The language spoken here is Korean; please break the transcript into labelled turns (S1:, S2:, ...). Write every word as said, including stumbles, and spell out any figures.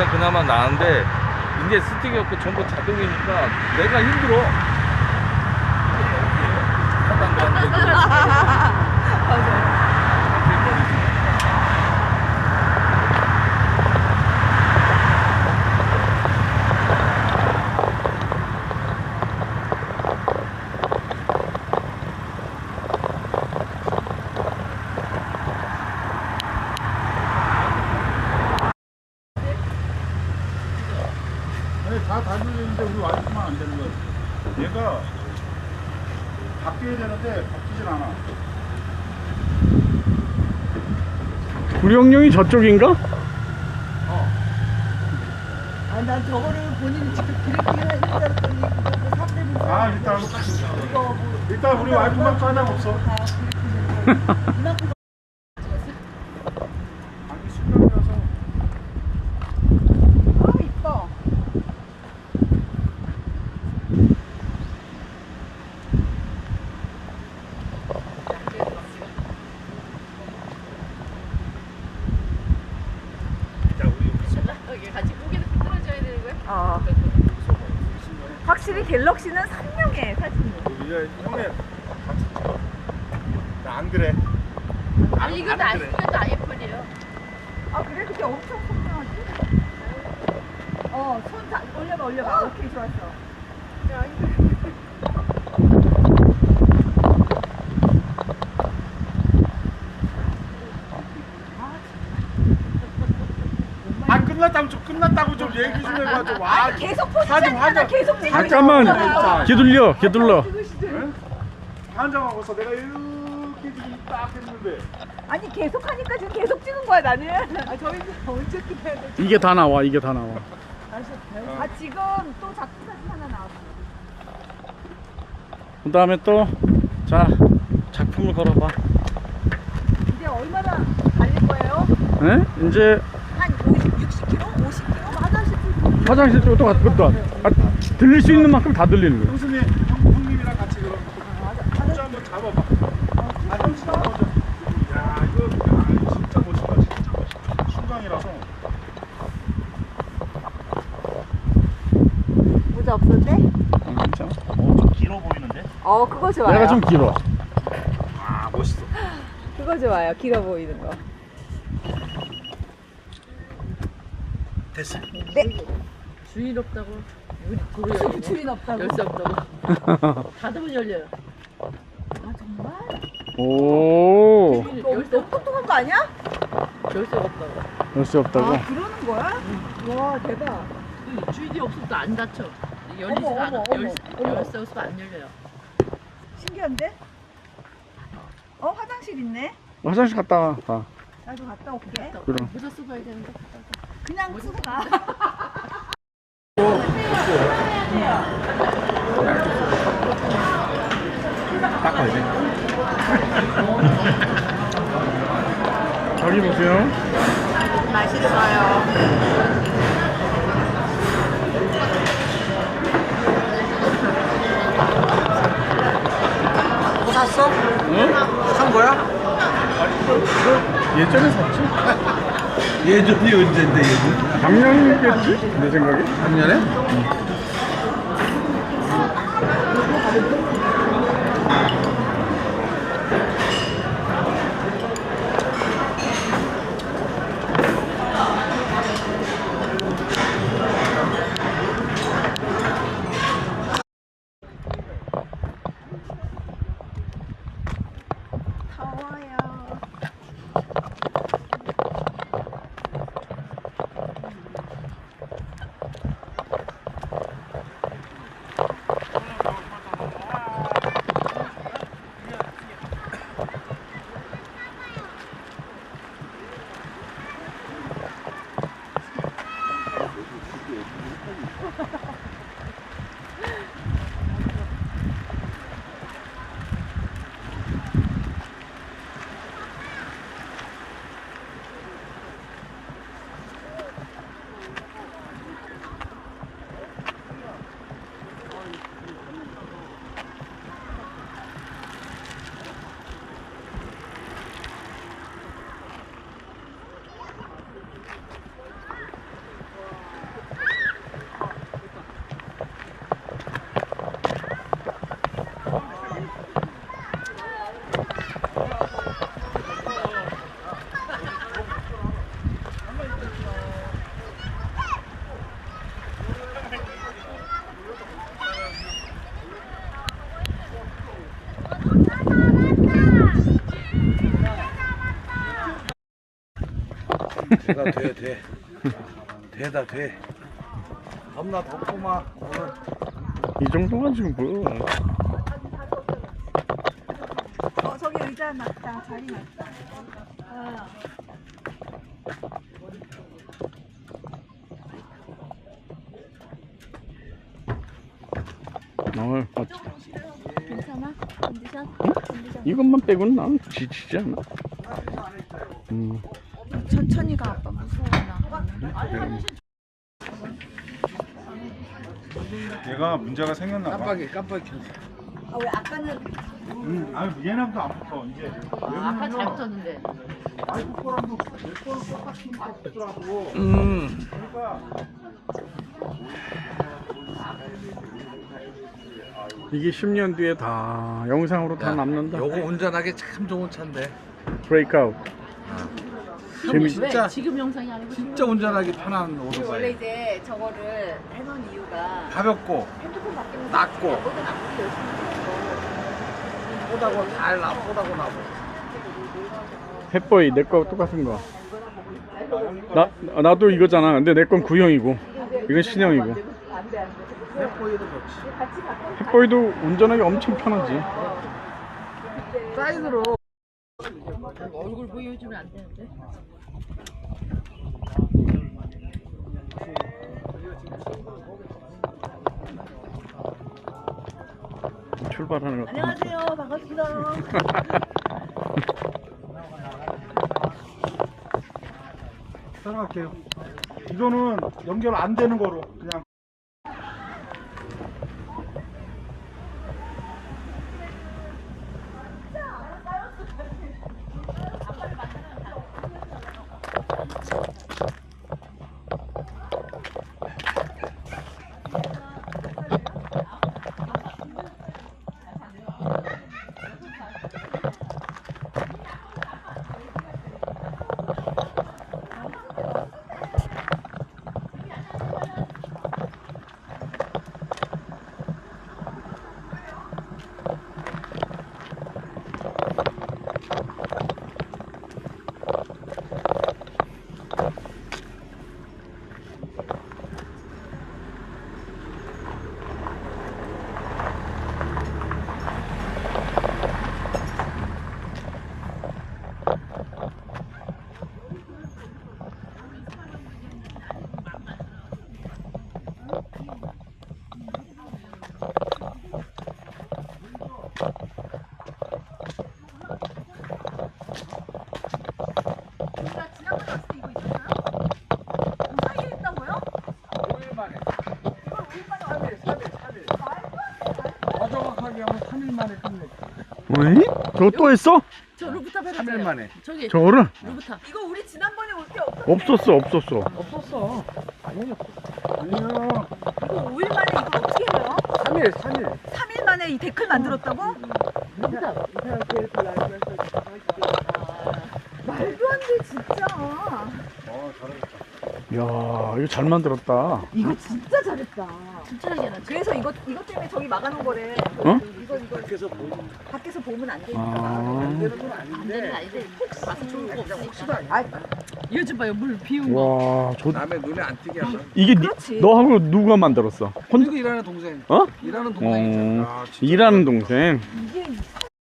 S1: 있으니까 그나마 나은데 이제 스틱이 없고 전부 자동이니까 내가 힘들어. 하단도 안 되고.
S2: 맞아요.
S3: 다 달리는데 우리 와이프만 안 되는 거야. 얘가 바뀌어야 되는데 바뀌질 않아.
S4: 구령령이 저쪽인가?
S2: 아, 난 저거를 본인이 직접 기르기를 했다더니 그거 삼대분
S3: 아 일단
S2: 이거 뭐
S3: 일단 우리 와이프만 까당 없어.
S2: 다 기르기는 이만큼
S3: 아니 수명이라서.
S2: 아 이뻐.
S5: 같이 고개를 흔들어줘야 되는 거야?
S2: 어. 확실히 갤럭시는 선명해 사진이.
S3: 이제 형님 같이 찍어. 나안 그래.
S5: 아니 이것도 안 이것도 아이폰이에요.
S2: 아 그래? 그게 엄청 선명하지? 어, 손 다 올려봐 올려봐. 오케이 좋았어. 야,
S3: 아 끝났다고 좀 끝났다고 좀 얘기 좀 해봐 좀. 와
S2: 아니 계속 포즈
S3: 사진
S2: 찍잖아.
S3: 환장.
S2: 계속 찍고
S4: 잠깐만
S2: 있잖아.
S4: 기둘려 기둘러.
S3: 환장하고서 내가 이렇게 지금 딱 했는데.
S2: 아니 계속 하니까 지금 계속 찍은 거야 나는. 아 저희 언제 찍어야 돼?
S4: 이게 다 나와 이게 다 나와.
S2: 아 지금 또 작품 사진 하나 나왔어.
S4: 그 다음에 또 자 작품을 걸어봐.
S2: 이제 얼마나 달릴 거예요?
S4: 에? 이제
S2: 한 오십, 육십 킬로미터? 오십 킬로미터? 화장실 좀
S4: 화장실 쪽으로 또 갔다 갔다. 아, 들릴 수 있는 만큼 다 들리는 거야.
S3: 형수님 형, 형님이랑 같이 그럼
S2: 맞아.
S3: 포즈 한번 잡아봐. 아 형수 먼저. 야 이거 야, 진짜 멋있다 진짜 멋있다. 순간이라서.
S2: 모자 없었대?
S4: 어, 괜찮아.
S3: 좀 길어 보이는데?
S2: 어 그거 좋아요.
S4: 내가 좀 길어.
S3: 아 멋있어.
S2: 그거 좋아요. 길어 보이는 거.
S3: 됐어.
S2: 네.
S5: 주인 없다고 우리 도로 열고
S2: 주인 없다고.
S5: 열쇠 없다고 닫으면 열려요.
S2: 아 정말?
S4: 오.
S5: 주인
S2: 너무
S5: 열쇠
S2: 너무 똑똑한 거 아니야?
S5: 열쇠가 없다고.
S4: 열쇠 없다고.
S2: 아 그러는 거야? 와 대박.
S5: 그 주인이 없으면 또 안 닫혀. 열리지가
S2: 어머,
S5: 않아.
S2: 어머,
S5: 열쇠,
S2: 어머.
S5: 열쇠 없으면 안 열려요.
S2: 신기한데? 어 화장실 있네.
S4: 화장실 갔다 와. 가.
S2: 나도 갔다 올게.
S4: 그럼.
S5: 모자 쓰고 가야 되는데.
S2: 그냥 쓰고 가.
S3: 닦아야 돼.
S4: 저기 보세요.
S2: 맛있어요.
S3: 뭐 샀어?
S4: 응?
S3: 산 거야?
S4: 예전에 샀지?
S3: 예전이 언젠데 예전?
S4: 작년이겠지? 내 생각에.
S3: 작년에?
S2: 더워요.
S3: 돼다 돼 돼. 돼다 돼. 겁나 덥구만 오늘.
S4: 이 정도가 지금 뭐야.
S2: 어 저기 의자 놨다. 자리 놨다. 아.
S4: 어, 멋지다.
S5: 괜찮아? 컨디션? 컨디션?
S4: 이것만 빼고는 난 지치지 않아. 음,
S2: 천천히 가 아빠 무서워 나.
S3: 얘가 문제가 생겼나 봐.
S1: 깜빡이 깜빡이 켰어.
S2: 아 왜 아까는
S3: 음, 아니 얘랑도 안 붙어 이제.
S5: 아, 아까 잘 붙었는데.
S3: 아이고 거랑도 내 거랑 똑같이 붙더라고.
S1: 음.
S3: 그러니까.
S4: 이게 십 년 뒤에 다 영상으로 다 남는다.
S1: 요거 운전하기 참 좋은 차인데.
S4: 브레이크아웃. 재미-
S5: 왜?
S1: 진짜-
S5: 지금 영상이 아니고
S1: 진짜 운전하기 편한
S2: 원래
S1: 오토바이.
S2: 이제 저거를 해놓은 이유가
S1: 가볍고
S2: 핸드폰 바뀌면서
S1: 낮고.
S2: 뭐든 아무리 열심히 해도
S1: 뽀다고 달나 뽀다고 나고.
S4: 햇보이 내 거 똑같은 거. 나 나도 이거잖아. 근데 내 건 구형이고 이건 신형이고.
S2: 안돼 안돼.
S1: 햇보이도 좋지.
S2: 같이 바꿔.
S4: 햇보이도 운전하기 엄청 편하지.
S1: 사이드로.
S5: 얼굴 보여주면 안 되는데.
S4: 출발하는 거.
S2: 안녕하세요 반갑습니다.
S3: 따라갈게요. 이거는 연결 안 되는 거로 그냥.
S4: 왜? 저거 또 했어?
S5: 저 루프탑 해봤어요.
S1: 삼 일 만에.
S5: 저기
S4: 저거를?
S5: 루프탑.
S2: 이거 우리 지난번에 올 때
S4: 없었어 없었어.
S1: 없었어.
S3: 아니요.
S2: 이거 오 일 만에 이거 어떻게 해요?
S1: 삼 일, 삼 일.
S2: 삼 일 만에 이 데크를 만들었다고?
S5: 루프탑.
S2: 말도 안 돼 진짜.
S3: 어 잘하겠다.
S4: 야 이거 잘 만들었다.
S2: 이거 진짜 잘했다.
S5: 진짜 하게 나.
S2: 그래서 이거 이것 때문에 저기 막아놓은 거래.
S4: 어?
S2: 이거 이거
S3: 밖에서 보이는
S2: 밖에서 보면 안 되니까.
S4: 아.
S3: 되는 건
S5: 안 되는
S3: 아닌데.
S5: 아닌데 혹시 봐서 좋을 거
S3: 그냥
S5: 없으니까.
S3: 혹시나 아니야.
S5: 이거 좀 봐요. 물 비운 거.
S4: 와, 저
S1: 남의 눈에 안 띄게 하자.
S4: 이게 니,
S2: 그렇지.
S4: 너하고 누가 만들었어? 혼자?
S1: 이거 일하는 동생.
S4: 어?
S1: 일하는 동생이잖아.
S4: 어,
S3: 아, 진짜
S4: 일하는 동생.
S2: 이게